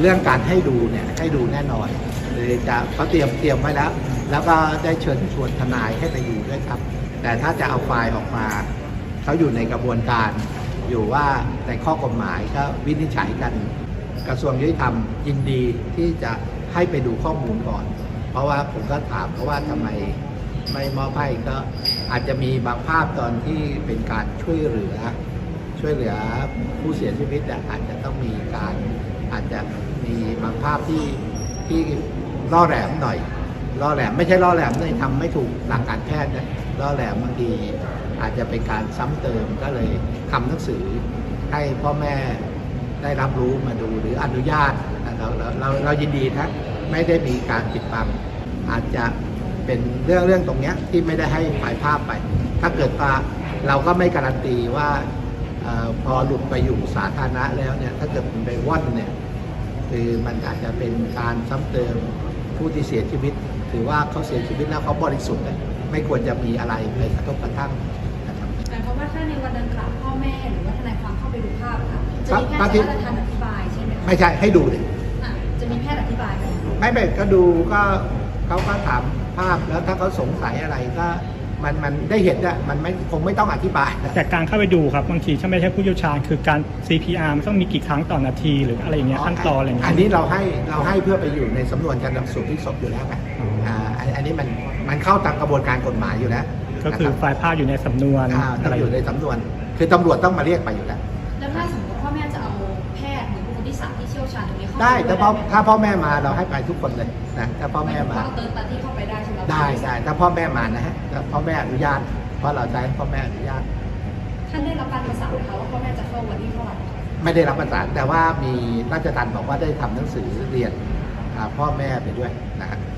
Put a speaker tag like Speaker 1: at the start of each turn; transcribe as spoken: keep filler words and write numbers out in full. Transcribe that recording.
Speaker 1: เรื่องการให้ดูเนี่ยให้ดูแน่นอนเลยจะเขาเตรียมเตรียมไว้แล้วแล้วก็ได้เชิญชวนทนายให้ไปอยู่ด้วยครับแต่ถ้าจะเอาไฟล์ออกมาเขาอยู่ในกระบวนการอยู่ว่าในข้อกฎหมายก็วินิจฉัยกันกระทรวงยุติธรรมยินดีที่จะให้ไปดูข้อมูลก่อนเพราะว่าผมก็ถามเพราะว่าทำไมไม่มอบให้ก็อาจจะมีบางภาพตอนที่เป็นการช่วยเหลือช่วยเหลือผู้เสียชีวิตอาจจะต้องมีการอาจจะมีบางภาพที่ที่ล่อแหลมหน่อยล่อแหลมไม่ใช่ล่อแหลมเลยทำไม่ถูกหลักการแพทย์นะล่อแหลมบางทีอาจจะเป็นการซ้ำเติมก็เลยทำหนังสือให้พ่อแม่ได้รับรู้มาดูหรืออนุญาตเราเราเราเรายินดีนะไม่ได้มีการปิดบังอาจจะเป็นเรื่องเรื่องตรงนี้ที่ไม่ได้ให้ปล่อยภาพไปถ้าเกิดว่าเราก็ไม่การันตีว่าอพอหลุดไปอยู่สาธารณะแล้วเนี่ยถ้าเกิดมันไปว่อนเนี่ยคือมันอาจจะเป็นการซ้ำเติมผู้ที่เสียชีวิตถือว่าเขาเสียชีวิตแล้วเขาบริสุทธิ์ไม่ควรจะมีอะไรไปกระทบกระทั่งนะครับ
Speaker 2: แต่เพราะว่าถ้าในวันดังกล่าวพ่อแม่หรือว่าทนายความเข้าไปดูภาพค่ะจะมีแพทย์จะทันอธิบายใช่ไหมคะ
Speaker 1: ไม่ใช่ให้ดูเลย
Speaker 2: จะมีแพทย์อธิบายไหม
Speaker 1: ไม่เป็นก็ดูก็เขาก็ถามภาพแล้วถ้าเขาสงสัยอะไรก็มันมันได้เห็นอะมันไม่คงไม่ต้องอธิบาย
Speaker 3: แต่การเข้าไปดูครับบางทีถ้าไม่ใช่ผู้เชี่ยวชาญคือการ ซี พี อาร์ มันต้องมีกี่ครั้งต่อนาทีหรืออะไรอย่างเงี้ยขั้นตอนอะไรอย่างเงี้ย
Speaker 1: อันนี้เราให้เราให้เพื่อไปอยู่ในสำนวนการนำสู่ที่ศพอยู่แล้วไงอ่าอันนี้มันมันเข้าตามกระบวนการกฎหมายอยู่แล้ว
Speaker 3: ก็คือไฟล์ภาพอยู่ในสำนวน
Speaker 1: อะไรอยู่ในสำนวนคือตำรวจต้องมาเรียกไปอยู่แล้ว
Speaker 2: แล้วถ้าสมมติพ่อแม่จะเอาแพทย์หรือบุคคลที่สามที่เชี่ยวชาญตรงนี้เข้า
Speaker 1: ได้ถ้าพ่อถ้าพ่อแม่มาเราให้ไปทุกคนเลยนะถ้าพ่อแม่มา
Speaker 2: เติมตาที่เข้าไปได้ใช่ไหม
Speaker 1: ได้ได้ถ้าพ่อแม่มานะฮะถ้าพ่อแม่อนุญาตเพราะเราใช้พ่อแม่อนุญาต
Speaker 2: ท่านได้รับการประสานไหมคะว่าพ่อแม่จะเข้าวันที่เท่าไหร่
Speaker 1: ไม่ได้รับประสานแต่ว่ามีราชทัณฑ์บอกว่าได้ทำหนังสือเรียนพ่อแม่ไปด้วยนะฮะ